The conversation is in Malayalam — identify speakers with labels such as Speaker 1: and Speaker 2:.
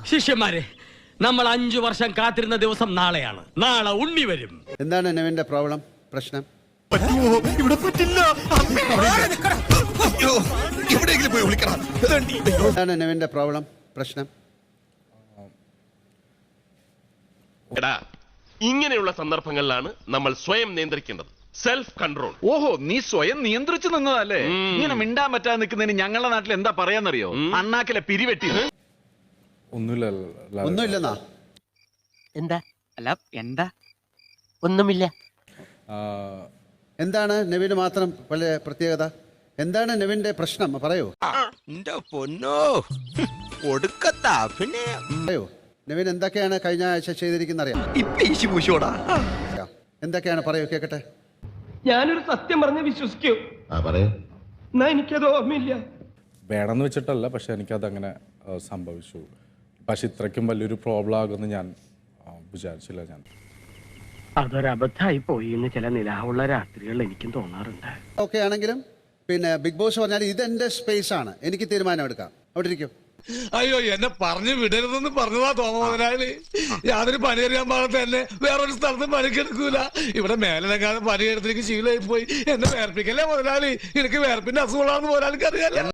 Speaker 1: ശിഷ്യന്മാരെ, നമ്മൾ 5 വർഷം കാത്തിരുന്ന ദിവസം നാളെയാണ്. നാളെ ഉണ്ണി വരും.
Speaker 2: എന്താണ് നെവിന്റെ പ്രോബ്ലം, പ്രശ്നം?
Speaker 3: ഇവിടെ പറ്റില്ല.
Speaker 2: എന്താണ് നെവിന്റെ പ്രോബ്ലം, പ്രശ്നം?
Speaker 4: ഇങ്ങനെയുള്ള സന്ദർഭങ്ങളിലാണ് നമ്മൾ സ്വയം നിയന്ത്രിക്കേണ്ടത്. Self control.
Speaker 5: ഓഹോ, നീ സ്വയം നിയന്ത്രിച്ചു നിന്നതല്ലേ? ഇങ്ങനെ മിണ്ടാൻ പറ്റാതെ നിൽക്കുന്നതിന് ഞങ്ങളുടെ നാട്ടിൽ എന്താ പറയാന്നറിയോ? അണ്ണാക്കിലെ പിരിവെട്ടി.
Speaker 2: ഒന്നുമില്ലെന്നാ?
Speaker 6: എന്താ? അല്ല, എന്താ? ഒന്നുമില്ല.
Speaker 2: എന്താണ് നെവിന് മാത്രം വളരെ പ്രത്യേകത? എന്താണ് നെവിന്റെ പ്രശ്നം, പറയൂ. പറയൂ, നെവിൻ എന്തൊക്കെയാണ് കഴിഞ്ഞ ആഴ്ച ചെയ്തിരിക്കുന്ന അറിയാം? എന്തൊക്കെയാണ്, പറയൂ, കേക്കട്ടെ.
Speaker 7: ഞാനൊരു സത്യം പറഞ്ഞ് വിശ്വസിക്കൂ. എന്നാ എനിക്കത് ഓർമ്മയില്ല.
Speaker 8: വേണമെന്ന് വെച്ചിട്ടല്ല, പക്ഷെ എനിക്കതങ്ങനെ സംഭവിച്ചു. പക്ഷെ ഇത്രയ്ക്കും വലിയൊരു പ്രോബ്ലം ആകുമെന്ന് ഞാൻ വിചാരിച്ചില്ല. ഞാൻ
Speaker 7: അതൊരബദ്ധമായി പോയി എന്ന് ചില നിലാവുള്ള രാത്രികളിൽ എനിക്കും തോന്നാറുണ്ട്.
Speaker 2: ഓക്കെ ആണെങ്കിലും പിന്നെ ബിഗ് ബോസ് പറഞ്ഞാൽ ഇതെന്റെ സ്പേസ് ആണ്, എനിക്ക് തീരുമാനം എടുക്കാം. അവിടെ ഇരിക്കും.
Speaker 3: അയ്യോ, എന്നെ പറഞ്ഞു വിടരുതെന്ന് പറഞ്ഞതാ തോമമുതലാളി. യാതൊരു പണിയെടുക്കാൻ പാടത്ത് തന്നെ വേറൊരു സ്ഥലത്ത് പണിക്കെടുക്കൂല. ഇവിടെ മേലെക്കാതെ പണിയെടുത്തേക്ക് ശീലമായി പോയി. എന്നെ വേർപ്പിക്കല്ലേ മുതലാളി? എനിക്ക് വേർപ്പിന്റെ അസുഖമാണെന്ന് മുതലാളിക്ക് അറിയാലോ.